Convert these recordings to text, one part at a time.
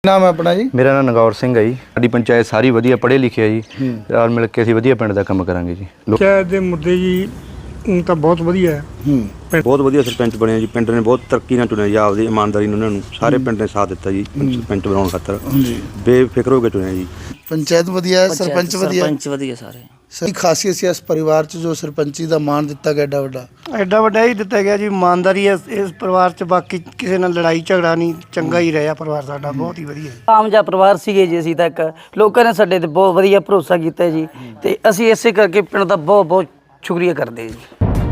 ਨਾਮ ਹੈ ਆਪਣਾ ਜੀ? ਮੇਰਾ ਨਾਮ ਨਗੌਰ ਸਿੰਘ ਹੈ ਜੀ। ਸਾਡੀ ਪੰਚਾਇਤ ਸਾਰੀ ਵਧੀਆ ਪੜ੍ਹੇ ਲਿਖੇ ਆ ਜੀ। ਨਾਲ ਮਿਲ ਕੇ ਅਸੀਂ ਵਧੀਆ ਪਿੰਡ ਦਾ ਕੰਮ ਕਰਾਂਗੇ ਜੀ। ਪੰਚਾਇਤ ਦੇ ਮੁੱਦੇ ਜੀ ਤਾਂ ਬਹੁਤ ਵਧੀਆ ਹੈ। ਬਹੁਤ ਵਧੀਆ ਸਰਪੰਚ ਬਣਿਆ ਜੀ। ਪਿੰਡ ਨੇ ਬਹੁਤ ਤਰੱਕੀ ਨਾਲ ਚੁਣਿਆ ਜੀ, ਆਪਦੀ ਇਮਾਨਦਾਰੀ ਨਾਲ ਉਹਨਾਂ ਨੂੰ ਸਾਰੇ ਪਿੰਡ ਨੇ ਸਾਥ ਦਿੱਤਾ ਜੀ ਸਰਪੰਚ ਬਣਾਉਣ ਖਾਤਰ। ਬੇਫਿਕਰ ਹੋ ਕੇ ਚੁਣਿਆ ਜੀ। ਪੰਚਾਇਤ ਵਧੀਆ, ਸਰਪੰਚ ਵਧੀਆ, ਸਰਪੰਚ ਵਧੀਆ ਸਾਰੇ। ਸਹੀ ਖਾਸੀਅਤ ਸੀ ਇਸ ਪਰਿਵਾਰ 'ਚ ਜੋ ਸਰਪੰਚੀ ਦਾ ਮਾਣ ਦਿੱਤਾ ਗਿਆ ਐਡਾ ਵੱਡਾ ਹੀ ਦਿੱਤਾ ਗਿਆ ਜੀ। ਇਮਾਨਦਾਰੀ ਹੈ ਇਸ ਪਰਿਵਾਰ 'ਚ, ਬਾਕੀ ਕਿਸੇ ਨਾਲ ਲੜਾਈ ਝਗੜਾ ਨਹੀਂ, ਚੰਗਾ ਹੀ ਰਿਹਾ ਪਰਿਵਾਰ ਸਾਡਾ, ਬਹੁਤ ਹੀ ਵਧੀਆ। ਆਮ ਜਿਹਾ ਪਰਿਵਾਰ ਸੀਗੇ ਜੀ ਅਸੀਂ, ਤੱਕ ਲੋਕਾਂ ਨੇ ਸਾਡੇ ਤੇ ਬਹੁਤ ਵਧੀਆ ਭਰੋਸਾ ਕੀਤਾ ਜੀ, ਤੇ ਅਸੀਂ ਇਸੇ ਕਰਕੇ ਪਿੰਡ ਦਾ ਬਹੁਤ ਬਹੁਤ ਸ਼ੁਕਰੀਆ ਕਰਦੇ ਜੀ।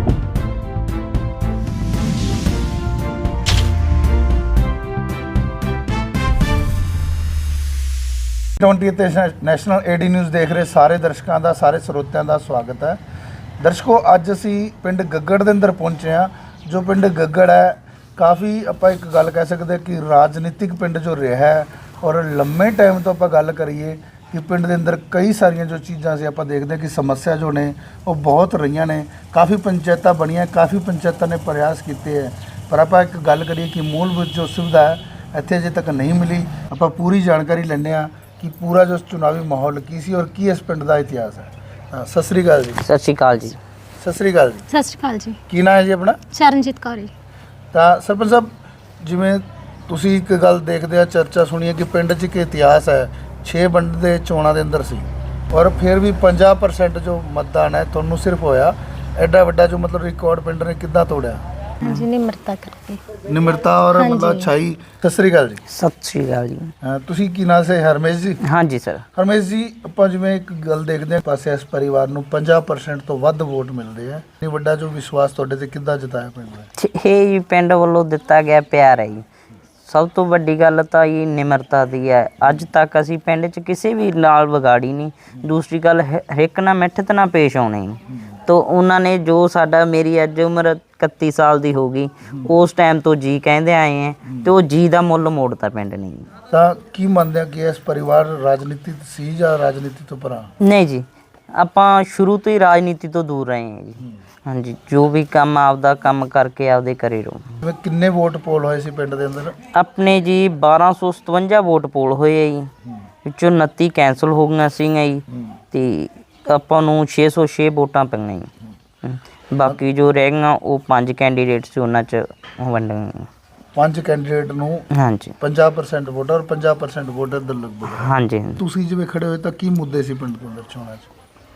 ਤੇ ਨੈਸ਼ਨਲ ਏਡੀ ਨਿਊਜ਼ ਦੇਖ ਰਹੇ ਸਾਰੇ ਦਰਸ਼ਕਾਂ ਦਾ, ਸਾਰੇ ਸਰੋਤਿਆਂ ਦਾ ਸਵਾਗਤ ਹੈ। ਦਰਸ਼ਕੋ, ਅੱਜ ਅਸੀਂ ਪਿੰਡ ਗੱਗੜ ਦੇ ਅੰਦਰ ਪਹੁੰਚੇ ਹਾਂ। ਜੋ ਪਿੰਡ ਗੱਗੜ ਹੈ, ਕਾਫੀ ਆਪਾਂ ਇੱਕ ਗੱਲ ਕਹਿ ਸਕਦੇ ਕਿ ਰਾਜਨੀਤਿਕ ਪਿੰਡ ਜੋ ਰਿਹਾ ਹੈ, ਔਰ ਲੰਮੇ ਟਾਈਮ ਤੋਂ ਆਪਾਂ ਗੱਲ ਕਰੀਏ ਕਿ ਪਿੰਡ ਦੇ ਅੰਦਰ ਕਈ ਸਾਰੀਆਂ ਜੋ ਚੀਜ਼ਾਂ ਸੀ ਆਪਾਂ ਦੇਖਦੇ ਕਿ ਸਮੱਸਿਆ ਜੋ ਨੇ ਉਹ ਬਹੁਤ ਰਹੀਆਂ ਨੇ। ਕਾਫੀ ਪੰਚਾਇਤਾਂ ਬਣੀਆਂ, ਕਾਫੀ ਪੰਚਾਇਤਾਂ ਨੇ ਪ੍ਰਯਾਸ ਕੀਤੇ ਹੈ, ਪਰ ਆਪਾਂ ਇੱਕ ਗੱਲ ਕਰੀਏ ਕਿ ਮੂਲਭੂਤ ਜੋ ਸੁਵਿਧਾ ਹੈ ਇੱਥੇ ਅਜੇ ਤੱਕ ਨਹੀਂ ਮਿਲੀ। ਆਪਾਂ ਪੂਰੀ ਜਾਣਕਾਰੀ ਲੈਂਦੇ ਹਾਂ ਕਿ ਪੂਰਾ ਜੋ ਚੁਣਾਵੀ ਮਾਹੌਲ ਕੀ ਸੀ ਔਰ ਕੀ ਇਸ ਪਿੰਡ ਦਾ ਇਤਿਹਾਸ ਹੈ। ਸਤਿ ਸ੍ਰੀ ਅਕਾਲ ਜੀ। ਸਤਿ ਸ਼੍ਰੀ ਅਕਾਲ ਜੀ। ਸਤਿ ਸ੍ਰੀ ਅਕਾਲ ਜੀ। ਸਤਿ ਸ਼੍ਰੀ ਅਕਾਲ ਜੀ। ਕੀ ਨਾਮ ਹੈ ਜੀ ਆਪਣਾ? ਚਰਨਜੀਤ ਕੌਰ ਜੀ। ਤਾਂ ਸਰਪੰਚ ਸਾਹਿਬ, ਜਿਵੇਂ ਤੁਸੀਂ ਇੱਕ ਗੱਲ ਦੇਖਦੇ ਆ, ਚਰਚਾ ਸੁਣੀਏ ਕਿ ਪਿੰਡ 'ਚ ਇੱਕ ਇਤਿਹਾਸ ਹੈ। 6 ਪਿੰਡ ਦੇ ਚੋਣਾਂ ਦੇ ਅੰਦਰ ਸੀ ਔਰ ਫਿਰ ਵੀ 50% ਜੋ ਮਤਦਾਨ ਹੈ ਤੁਹਾਨੂੰ ਸਿਰਫ ਹੋਇਆ। ਐਡਾ ਵੱਡਾ ਜੋ ਮਤਲਬ ਰਿਕਾਰਡ ਪਿੰਡ ਨੇ ਕਿੱਦਾਂ ਤੋੜਿਆ? ਹਾਂਜੀ, ਨਿਮਰਤਾ ਕਰਕੇ। ਨਿਮਰਤਾ ਔਰ ਮਤਲਬ ਅੱਛਾਈ। ਸਤਿ ਸ੍ਰੀ ਅਕਾਲ ਜੀ। ਸਤਿ ਸ਼੍ਰੀ ਅਕਾਲ ਜੀ। ਤੁਸੀਂ ਕੀ ਨਾਮ ਸੇ? ਹਰਮੇਸ਼ ਜੀ। ਹਾਂਜੀ ਸਰ। ਹਰਮੇਸ਼ ਜੀ, ਆਪਾਂ ਜਿਵੇਂ ਇੱਕ ਗੱਲ ਦੇਖਦੇ ਹਾਂ, ਪਾਸੇ ਇਸ ਪਰਿਵਾਰ ਨੂੰ 50% ਤੋਂ ਵੱਧ ਵੋਟ ਮਿਲਦੇ ਆ। ਇਹ ਵੱਡਾ ਜੋ ਵਿਸ਼ਵਾਸ ਤੁਹਾਡੇ ਤੇ ਕਿੱਦਾਂ ਜਤਾਇਆ ਪਿੰਡ ਨੇ? ਇਹ ਜੀ ਪਿੰਡ ਵੱਲੋਂ ਦਿੱਤਾ ਗਿਆ ਪਿਆਰ ਹੈ ਜੀ। ਸਭ ਤੋਂ ਵੱਡੀ ਗੱਲ ਤਾਂ ਇਹ ਨਿਮਰਤਾ ਦੀ ਹੈ। ਅੱਜ ਤੱਕ ਅਸੀਂ ਪਿੰਡ 'ਚ ਕਿਸੇ ਵੀ ਨਾਲ ਵਿਗਾੜੀ ਨਹੀਂ। ਦੂਸਰੀ ਗੱਲ, ਹਰੇਕ ਨਾਲ ਮਿੱਠਤ ਨਾਲ ਪੇਸ਼ ਆਉਣੇ ਜੀ। ਤੋ ਉਹਨਾਂ ਨੇ ਜੋ ਸਾਡਾ, ਮੇਰੀ ਅੱਜ ਉਮਰ 31 ਸਾਲ ਦੀ ਹੋ ਗਈ, ਉਸ ਟਾਈਮ ਤੋਂ ਜੀ ਕਹਿੰਦੇ ਆਏ ਹੈ, ਤੇ ਉਹ ਜੀ ਦਾ ਮੁੱਲ ਮੋੜਤਾ ਪਿੰਡ ਨੇ ਜੀ। ਤਾਂ ਕੀ ਮੰਨਦੇ ਆ ਕਿ ਇਸ ਪਰਿਵਾਰ ਰਾਜਨੀਤੀ ਸੀ ਜਾਂ ਰਾਜਨੀਤੀ ਤੋਂ ਪਰਾਂ? ਨਹੀਂ ਜੀ, ਆਪਾਂ ਸ਼ੁਰੂ ਤੋਂ ਹੀ ਰਾਜਨੀਤੀ ਤੋਂ ਦੂਰ ਰਹੇ ਹਾਂ ਜੀ। ਹਾਂਜੀ, ਜੋ ਵੀ ਕੰਮ ਆਪਦਾ ਕੰਮ ਕਰਕੇ ਆਪਦੇ ਘਰੇ ਰਹੋ। ਜਿਵੇਂ ਕਿੰਨੇ ਵੋਟ ਪੋਲ ਹੋਏ ਸੀ ਪਿੰਡ ਦੇ ਅੰਦਰ? ਆਪਣੇ ਜੀ 1257 ਵੋਟ ਪੋਲ ਹੋਏ ਆ ਜੀ, ਵਿੱਚੋਂ 29 ਕੈਂਸਲ ਹੋ ਗਈਆਂ ਸੀਗੀਆਂ ਜੀ, ਤੇ ਆਪਾਂ ਨੂੰ 606 ਵੋਟਾਂ ਪਈਆਂ ਜੀ। ਬਾਕੀ ਜੋ ਰਹਿ ਗਈਆਂ ਉਹ 5 ਕੈਂਡੀਡੇਟ ਸੀ, ਉਹਨਾਂ 'ਚ ਵੰਡੀਆਂ। 5 ਕੈਂਡੀਡੇਟ ਨੂੰ ਹਾਂਜੀ 50% ਵੋਟ ਔਰ 50% ਵੋਟ ਇੱਧਰ ਲਗਭਗ। ਹਾਂਜੀ। ਤੁਸੀਂ ਜਿਵੇਂ ਖੜੇ ਹੋਏ ਤਾਂ ਕੀ ਮੁੱਦੇ ਸੀ ਪਿੰਡ ਦੇ ਅੰਦਰ ਚੋਣਾਂ 'ਚ?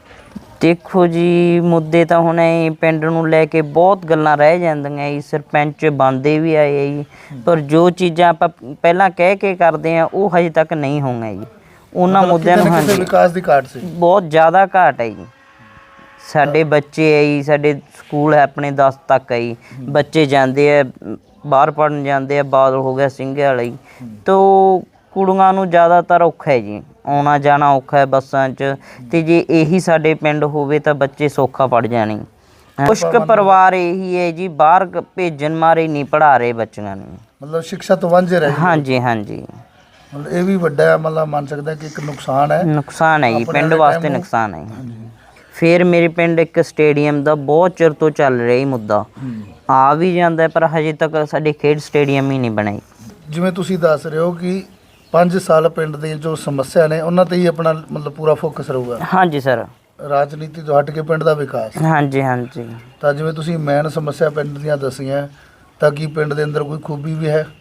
ਦੇਖੋ ਜੀ, ਮੁੱਦੇ ਤਾਂ ਹੁਣ ਇਹ ਪਿੰਡ ਨੂੰ ਲੈ ਕੇ ਬਹੁਤ ਗੱਲਾਂ ਰਹਿ ਜਾਂਦੀਆਂ ਜੀ। ਸਰਪੰਚ ਬਣਦੇ ਵੀ ਆਏ ਜੀ, ਪਰ ਜੋ ਚੀਜ਼ਾਂ ਆਪਾਂ ਪਹਿਲਾਂ ਕਹਿ ਕੇ ਕਰਦੇ ਆ ਉਹ ਹਜੇ ਤੱਕ ਨਹੀਂ ਹੋਈਆਂ ਜੀ। ਉਹਨਾਂ ਮੁੱਦਿਆਂ ਨੂੰ ਹਾਂਜੀ ਵਿਕਾਸ ਦੀ ਘਾਟ ਸੀ, ਬਹੁਤ ਜ਼ਿਆਦਾ ਘਾਟ ਹੈ ਜੀ। ਸਾਡੇ ਬੱਚੇ ਹੈ ਜੀ, ਸਾਡੇ ਸਕੂਲ ਹੈ ਆਪਣੇ 10 ਤੱਕ ਹੈ ਜੀ, ਬੱਚੇ ਜਾਂਦੇ ਆ ਬਾਹਰ ਪੜ੍ਹਨ ਜਾਂਦੇ ਆ। ਬਾਦਲ ਹੋ ਗਿਆ, ਸਿੰਘੇ ਵਾਲਾ ਜੀ, ਤੋ ਕੁੜੀਆਂ ਨੂੰ ਜ਼ਿਆਦਾਤਰ ਔਖਾ ਹੈ ਜੀ, ਆਉਣਾ ਜਾਣਾ ਔਖਾ ਹੈ ਬੱਸਾਂ 'ਚ। ਤੇ ਜੇ ਇਹੀ ਸਾਡੇ ਪਿੰਡ ਹੋਵੇ ਤਾਂ ਬੱਚੇ ਸੌਖਾ ਪੜ੍ਹ ਜਾਣੇ। ਕੁਛ ਕੁ ਪਰਿਵਾਰ ਇਹੀ ਹੈ ਜੀ, ਬਾਹਰ ਭੇਜਣ ਮਾਰੇ ਨਹੀਂ ਪੜ੍ਹਾ ਰਹੇ ਬੱਚਿਆਂ ਨੂੰ, ਮਤਲਬ ਸਿੱਖਿਆ ਤੋਂ ਵਾਂਝੇ ਰਹੇ। ਹਾਂਜੀ ਹਾਂਜੀ। ਮਤਲਬ ਇਹ ਵੀ ਵੱਡਾ ਮਤਲਬ ਮੰਨ ਸਕਦਾ ਕਿ ਇੱਕ ਨੁਕਸਾਨ ਹੈ। ਨੁਕਸਾਨ ਹੈ ਜੀ, ਪਿੰਡ ਵਾਸਤੇ ਨੁਕਸਾਨ ਹੈ। ਫਿਰ ਮੇਰੇ ਪਿੰਡ ਇੱਕ ਸਟੇਡੀਅਮ ਦਾ ਬਹੁਤ ਚਿਰ ਤੋਂ ਚੱਲ ਰਿਹਾ ਹੀ ਮੁੱਦਾ, ਆ ਵੀ ਜਾਂਦਾ, ਪਰ ਹਜੇ ਤੱਕ ਸਾਡੇ ਖੇਡ ਸਟੇਡੀਅਮ ਹੀ ਨਹੀਂ ਬਣਾਈ। ਜਿਵੇਂ ਤੁਸੀਂ ਦੱਸ ਰਹੇ ਹੋ ਕਿ 5 ਸਾਲ ਪਿੰਡ ਦੀ ਜੋ ਸਮੱਸਿਆ ਨੇ ਉਹਨਾਂ ਤੇ ਹੀ ਆਪਣਾ ਮਤਲਬ ਪੂਰਾ ਫੋਕਸ ਰਹੂਗਾ। ਹਾਂਜੀ ਸਰ। ਰਾਜਨੀਤੀ ਤੋਂ ਹਟ ਕੇ ਪਿੰਡ ਦਾ ਵਿਕਾਸ। ਹਾਂਜੀ ਹਾਂਜੀ। ਤਾਂ ਜਿਵੇਂ ਤੁਸੀਂ ਮੇਨ ਸਮੱਸਿਆ ਪਿੰਡ ਦੀਆਂ ਦੱਸੀਆਂ, ਤਾਂ ਕੀ ਪਿੰਡ ਦੇ ਅੰਦਰ ਕੋਈ ਖੂਬੀ ਵੀ ਹੈ?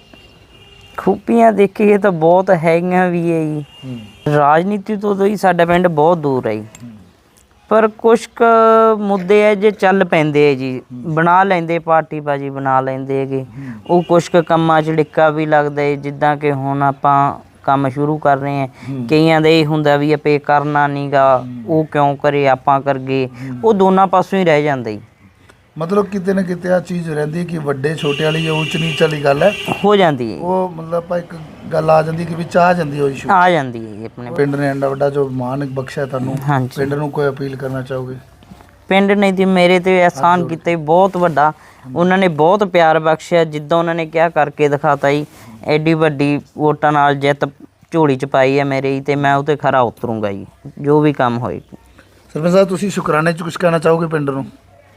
ਖੂਬੀਆਂ ਦੇਖੀਏ ਤਾਂ ਬਹੁਤ ਹੈਗੀਆਂ ਵੀ ਹੈ ਜੀ। ਰਾਜਨੀਤੀ ਤੋਂ ਹੀ ਸਾਡਾ ਪਿੰਡ ਬਹੁਤ ਦੂਰ ਹੈ ਜੀ, ਪਰ ਕੁਛ ਕੁ ਮੁੱਦੇ ਹੈ ਜੇ ਚੱਲ ਪੈਂਦੇ ਹੈ ਜੀ, ਬਣਾ ਲੈਂਦੇ ਪਾਰਟੀ ਬਾਜੀ ਬਣਾ ਲੈਂਦੇ ਹੈਗੇ। ਉਹ ਕੁਛ ਕੁ ਕੰਮਾਂ 'ਚ ਡਿੱਕਾ ਵੀ ਲੱਗਦਾ ਹੈ, ਜਿੱਦਾਂ ਕਿ ਹੁਣ ਆਪਾਂ ਕੰਮ ਸ਼ੁਰੂ ਕਰ ਰਹੇ ਹਾਂ। ਕਈਆਂ ਦਾ ਇਹ ਹੁੰਦਾ ਵੀ ਆਪੇ ਕਰਨਾ ਨਹੀਂ ਗਾ, ਉਹ ਕਿਉਂ ਕਰੇ ਆਪਾਂ ਕਰਗੇ, ਉਹ ਦੋਨਾਂ ਪਾਸੋਂ ਹੀ ਰਹਿ ਜਾਂਦਾ ਜੀ। ਮਤਲਬ ਕਿਤੇ ਨਾ ਕਿਤੇ ਆ ਚੀਜ਼ ਰਹਿੰਦੀ ਕਿ ਵੱਡੇ ਛੋਟੇ ਵਾਲੀ ਜਾਂ ਉੱਚ ਨੀਚ ਵਾਲੀ ਗੱਲ ਹੈ ਹੋ ਜਾਂਦੀ ਹੈ। ਉਹ ਮਤਲਬ ਆਪਾਂ ਇੱਕ ਗੱਲ ਆ ਜਾਂਦੀ ਕਿ ਵਿੱਚ ਆ ਜਾਂਦੀ ਉਹ ਇਸ਼ੂ ਆ ਜਾਂਦੀ ਹੈ ਜੀ ਆਪਣੇ ਪਿੰਡ ਨੇ ਐਡਾ ਵੱਡਾ ਜੋ ਮਾਣ ਬਖਸ਼ਿਆ ਤੁਹਾਨੂੰ। ਹਾਂਜੀ। ਪਿੰਡ ਨੂੰ ਕੋਈ ਅਪੀਲ ਕਰਨਾ ਚਾਹੋਗੇ? ਪਿੰਡ ਨੇ ਜੀ ਮੇਰੇ ਤੇ ਅਹਿਸਾਨ ਕੀਤਾ ਜੀ ਬਹੁਤ ਵੱਡਾ। ਉਹਨਾਂ ਨੇ ਬਹੁਤ ਪਿਆਰ ਬਖਸ਼ਿਆ, ਜਿੱਦਾਂ ਉਹਨਾਂ ਨੇ ਕਿਹਾ ਕਰਕੇ ਦਿਖਾਤਾ ਜੀ। ਐਡੀ ਵੱਡੀ ਵੋਟਾਂ ਨਾਲ ਜਿੱਤ ਝੋਲੀ 'ਚ ਪਾਈ ਹੈ ਮੇਰੇ, ਤੇ ਮੈਂ ਉਹ 'ਤੇ ਖਰਾ ਉਤਰੂੰਗਾ ਜੀ, ਜੋ ਵੀ ਕੰਮ ਹੋਏ। ਸਰਪੰਚ ਸਾਹਿਬ, ਤੁਸੀਂ ਸ਼ੁਕਰਾਨੇ 'ਚ ਕੁਝ ਕਹਿਣਾ ਚਾਹੋਗੇ ਪਿੰਡ ਨੂੰ?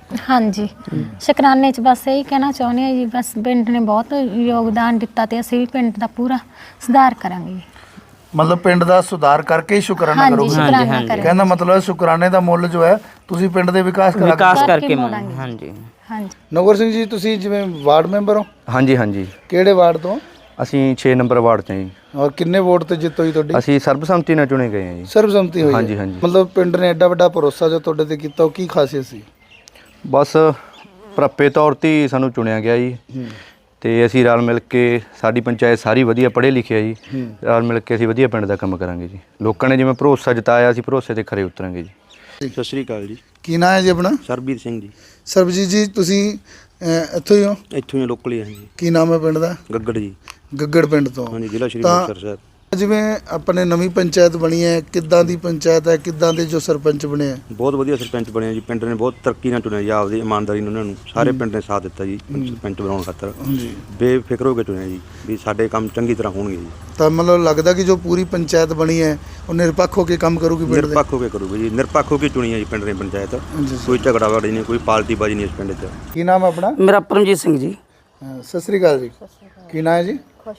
ਹਾਂਜੀ ਸ਼ੁਕਰਾਨੇ ਚ ਬਸ ਇਹੀ ਕਹਿਣਾ ਚਾਹੁੰਦੇ ਹਾਂ ਜੀ, ਬਸ ਪਿੰਡ ਨੇ ਬਹੁਤ ਯੋਗਦਾਨ ਦਿੱਤਾ ਤੇ ਅਸੀਂ ਵੀ ਪਿੰਡ ਦਾ ਪੂਰਾ ਸੁਧਾਰ ਕਰਾਂਗੇ ਜੀ। ਮਤਲਬ ਪਿੰਡ ਦਾ ਸੁਧਾਰ ਕਰਕੇ ਹੀ ਸ਼ੁਕਰਾਨਾ ਹਾਂਜੀ ਕਰੋਗੇ। ਸ਼ੁਕਰਾਨਾ ਕਰਾਂਗੇ। ਕਹਿੰਦਾ ਮਤਲਬ ਸ਼ੁਕਰਾਨੇ ਦਾ ਮੁੱਲ ਜੋ ਹੈ ਤੁਸੀਂ ਪਿੰਡ ਦੇ ਵਿਕਾਸ ਕਰਾਂਗੇ। ਵਿਕਾਸ ਕਰਕੇ ਕਰਕੇ ਮੋੜਾਂਗੇ। ਹਾਂਜੀ ਹਾਂਜੀ ਨਗਰ ਸਿੰਘ ਜੀ, ਤੁਸੀਂ ਜਿਵੇਂ ਵਾਰਡ ਮੈਂਬਰ ਹੋ, ਹਾਂਜੀ ਹਾਂਜੀ ਕਿਹੜੇ ਵਾਰਡ ਤੋਂ ਅਸੀਂ 6 ਨੰਬਰ ਵਾਰਡ 'ਚ ਹਾਂ ਜੀ। ਔਰ ਕਿੰਨੇ ਵੋਟ ਤੇ ਜਿੱਤ ਹੋਈ ਤੁਹਾਡੀ? ਅਸੀਂ ਸਰਬਸੰਮਤੀ ਨਾਲ ਚੁਣੇ ਗਏ ਹਾਂ ਜੀ। ਸਰਬਸੰਮਤੀ ਹੋਈ ਹੈ। ਹਾਂਜੀ, ਹਾਂਜੀ। ਮਤਲਬ ਪਿੰਡ ਨੇ ਐਡਾ ਵੱਡਾ ਭਰੋਸਾ ਜੋ ਤੁਹਾਡੇ ਤੇ ਕੀਤਾ, ਉਹ ਕੀ ਖਾਸੀਅਤ ਸੀ? ਬਸ ਪ੍ਰੱਪੇ ਤੌਰ ਤੇ ਹੀ ਸਾਨੂੰ ਚੁਣਿਆ ਗਿਆ ਜੀ ਤੇ ਅਸੀਂ ਰਲ ਮਿਲ ਕੇ, ਸਾਡੀ ਪੰਚਾਇਤ ਸਾਰੀ ਵਧੀਆ ਪੜ੍ਹੇ ਲਿਖੇ ਆ ਜੀ, ਰਲ ਮਿਲ ਕੇ ਅਸੀਂ ਵਧੀਆ ਪਿੰਡ ਦਾ ਕੰਮ ਕਰਾਂਗੇ ਜੀ। ਲੋਕਾਂ ਨੇ ਜਿਵੇਂ ਭਰੋਸਾ ਜਤਾਇਆ, ਅਸੀਂ ਭਰੋਸੇ ਤੇ ਖਰੇ ਉਤਰਾਂਗੇ ਜੀ। ਸਤਿ ਸ਼੍ਰੀ ਅਕਾਲ ਜੀ। ਕੀ ਨਾਂ ਹੈ ਜੀ ਆਪਣਾ? ਸਰਬਜੀਤ ਸਿੰਘ ਜੀ। ਸਰਬਜੀਤ ਜੀ, ਤੁਸੀਂ ਇੱਥੋਂ ਹੀ ਹੋ? ਇੱਥੋਂ ਹੀ ਲੋਕਲ ਹੀ ਹਾਂ ਜੀ। ਕੀ ਨਾਮ ਹੈ ਪਿੰਡ ਦਾ? ਗੱਗੜ ਜੀ। ਗੱਗੜ ਪਿੰਡ ਤੋਂ। ਹਾਂਜੀ, ਜ਼ਿਲ੍ਹਾ ਸ਼੍ਰੀ ਤਾਂ ਮੁਕਤਸਰ ਸਾਹਿਬ। ਜਿਵੇਂ ਆਪਣੇ ਨਵੀਂ ਪੰਚਾਇਤ ਬਣੀ ਹੈ, ਕਿੱਦਾਂ ਦੀ ਪੰਚਾਇਤ ਹੈ, ਕਿੱਦਾਂ ਦੇ ਜੋ ਸਰਪੰਚ ਬਣੇ ਆ? ਬਹੁਤ ਵਧੀਆ ਸਰਪੰਚ ਬਣਿਆ ਜੀ। ਪਿੰਡ ਨੇ ਬਹੁਤ ਤਰੱਕੀ ਨਾਲ ਚੁਣਿਆ ਜੀ, ਆਪਦੀ ਇਮਾਨਦਾਰੀ ਨਾਲ ਉਹਨਾਂ ਨੂੰ ਸਾਰੇ ਪਿੰਡ ਨੇ ਸਾਥ ਦਿੱਤਾ ਜੀ ਸਰਪੰਚ ਬਣਾਉਣ ਖਾਤਰ। ਹਾਂਜੀ। ਬੇਫਿਕਰ ਹੋ ਕੇ ਚੁਣਿਆ ਜੀ ਵੀ ਸਾਡੇ ਕੰਮ ਚੰਗੀ ਤਰ੍ਹਾਂ ਹੋਣਗੇ ਜੀ। ਤਾਂ ਮਤਲਬ ਲੱਗਦਾ ਕਿ ਜੋ ਪੂਰੀ ਪੰਚਾਇਤ ਬਣੀ ਹੈ ਉਹ ਨਿਰਪੱਖ ਹੋ ਕੇ ਕੰਮ ਕਰੂਗੀ ਪਿੰਡ ਦੇ? ਨਿਰਪੱਖ ਹੋ ਕੇ ਕਰੂਗੇ ਜੀ, ਨਿਰਪੱਖ ਹੋ ਕੇ ਚੁਣੀ ਹੈ ਜੀ ਪਿੰਡ ਨੇ ਪੰਚਾਇਤ। ਕੋਈ ਝਗੜਾ ਵਾੜੀ ਨਹੀਂ, ਕੋਈ ਪਾਰਟੀ ਬਾਜੀ ਨਹੀਂ ਇਸ ਪਿੰਡ 'ਚ। ਕੀ ਨਾਮ ਹੈ ਆਪਣਾ? ਮੇਰਾ ਪਰਮਜੀਤ ਸਿੰਘ ਜੀ। ਸਤਿ ਸ੍ਰੀ ਅਕਾਲ ਜੀ। ਕੀ ਨਾਮ ਹੈ ਜੀ?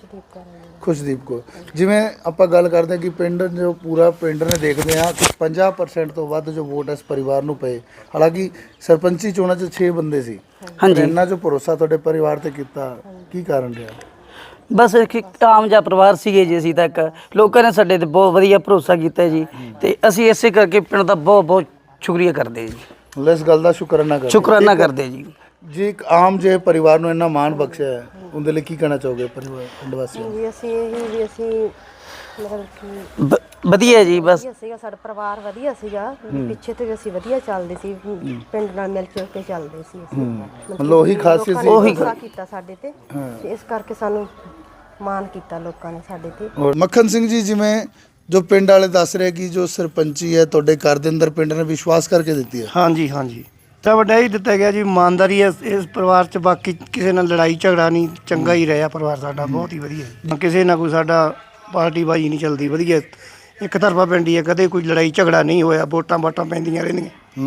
ਖੁਸ਼ਦੀਪ ਕੌਰ। ਜਿਵੇਂ ਆਪਾਂ ਗੱਲ ਕਰਦੇ ਹਾਂ ਕਿ ਪਿੰਡ ਜੋ ਪੂਰਾ ਪਿੰਡ ਨੇ ਦੇਖਦੇ ਆ ਕਿ 50% ਤੋਂ ਵੱਧ ਜੋ ਵੋਟ ਇਸ ਪਰਿਵਾਰ ਨੂੰ ਪਏ। ਹਾਲਾਂਕਿ ਸਰਪੰਚੀ ਚੋਣਾਂ 'ਚ 6 ਬੰਦੇ ਸੀ। ਹਾਂਜੀ। ਇੰਨਾ ਜੋ ਭਰੋਸਾ ਤੁਹਾਡੇ ਪਰਿਵਾਰ ਤੇ ਕੀਤਾ, ਕੀ ਕਾਰਨ ਰਿਹਾ? ਬਸ ਇੱਕ ਆਮ ਜਿਹਾ ਪਰਿਵਾਰ ਸੀਗੇ ਜੀ ਅਸੀਂ ਤੱਕ। ਲੋਕਾਂ ਨੇ ਸਾਡੇ ਤੇ ਬਹੁਤ ਵਧੀਆ ਭਰੋਸਾ ਕੀਤਾ ਜੀ ਤੇ ਅਸੀਂ ਇਸੇ ਕਰਕੇ ਪਿੰਡ ਦਾ ਬਹੁਤ ਬਹੁਤ ਸ਼ੁਕਰੀਆ ਕਰਦੇ ਜੀ। ਮਤਲਬ ਇਸ ਗੱਲ ਦਾ ਸ਼ੁਕਰਾਨਾ ਕਰਦੇ? ਸ਼ੁਕਰਾਨਾ ਕਰਦੇ ਜੀ। ਜੀ ਇੱਕ ਆਮ ਜਿਹੇ ਪਰਿਵਾਰ ਨੂੰ ਇੰਨਾ ਮਾਣ ਬਖਸ਼ਿਆ ਹੈ, ਉਹਦੇ ਲਈ ਕੀ ਕਹਿਣਾ ਚਾਹੋਗੇ ਪਰਿਵਾਰ ਪਿੰਡ ਵਾਸੀਆਂ ਨੂੰ? ਜੀ ਅਸੀਂ ਇਹੀ ਵੀ ਅਸੀਂ ਮਤਲਬ ਕਿ ਵਧੀਆ ਜੀ। ਬਸ ਵਧੀਆ ਸੀਗਾ, ਸਾਡਾ ਪਰਿਵਾਰ ਵਧੀਆ ਸੀਗਾ। ਪਿੱਛੇ ਤੋਂ ਵੀ ਅਸੀਂ ਵਧੀਆ ਚੱਲਦੇ ਸੀ, ਪਿੰਡ ਨਾਲ ਮਿਲ ਜੁਲ ਕੇ ਚੱਲਦੇ ਸੀ ਅਸੀਂ। ਮਤਲਬ ਉਹੀ ਖਾਸੀਅਤ ਸੀ? ਉਹੀ ਕੀਤਾ ਸਾਡੇ ਤੇ ਇਸ ਕਰਕੇ ਸਾਨੂੰ ਮਾਣ ਕੀਤਾ ਲੋਕਾਂ ਨੇ ਸਾਡੇ ਤੇ। ਔਰ ਮੱਖਣ ਸਿੰਘ ਜੀ, ਜਿਵੇਂ ਜੋ ਪਿੰਡ ਵਾਲੇ ਦੱਸ ਰਹੇ ਕਿ ਜੋ ਸਰਪੰਚੀ ਹੈ ਤੁਹਾਡੇ ਘਰ ਦੇ ਅੰਦਰ ਪਿੰਡ ਨੇ ਵਿਸ਼ਵਾਸ ਕਰਕੇ ਦਿੱਤੀ ਹੈ। ਹਾਂਜੀ ਹਾਂਜੀ, ਤਾਂ ਵੱਡਾ ਹੀ ਦਿੱਤਾ ਗਿਆ ਜੀ। ਇਮਾਨਦਾਰੀ ਇਸ ਪਰਿਵਾਰ 'ਚ, ਬਾਕੀ ਕਿਸੇ ਨਾਲ ਲੜਾਈ ਝਗੜਾ ਨਹੀਂ, ਚੰਗਾ ਹੀ ਰਿਹਾ ਪਰਿਵਾਰ ਸਾਡਾ, ਬਹੁਤ ਹੀ ਵਧੀਆ। ਕਿਸੇ ਨਾਲ ਕੋਈ ਸਾਡਾ ਪਾਰਟੀ ਬਾਜੀ ਨਹੀਂ ਚੱਲਦੀ, ਵਧੀਆ ਇੱਕ ਤਰਫਾ ਪਿੰਡ ਹੀ ਹੈ, ਕਦੇ ਕੋਈ ਲੜਾਈ ਝਗੜਾ ਨਹੀਂ ਹੋਇਆ, ਵੋਟਾਂ ਪੈਂਦੀਆਂ ਰਹਿੰਦੀਆਂ।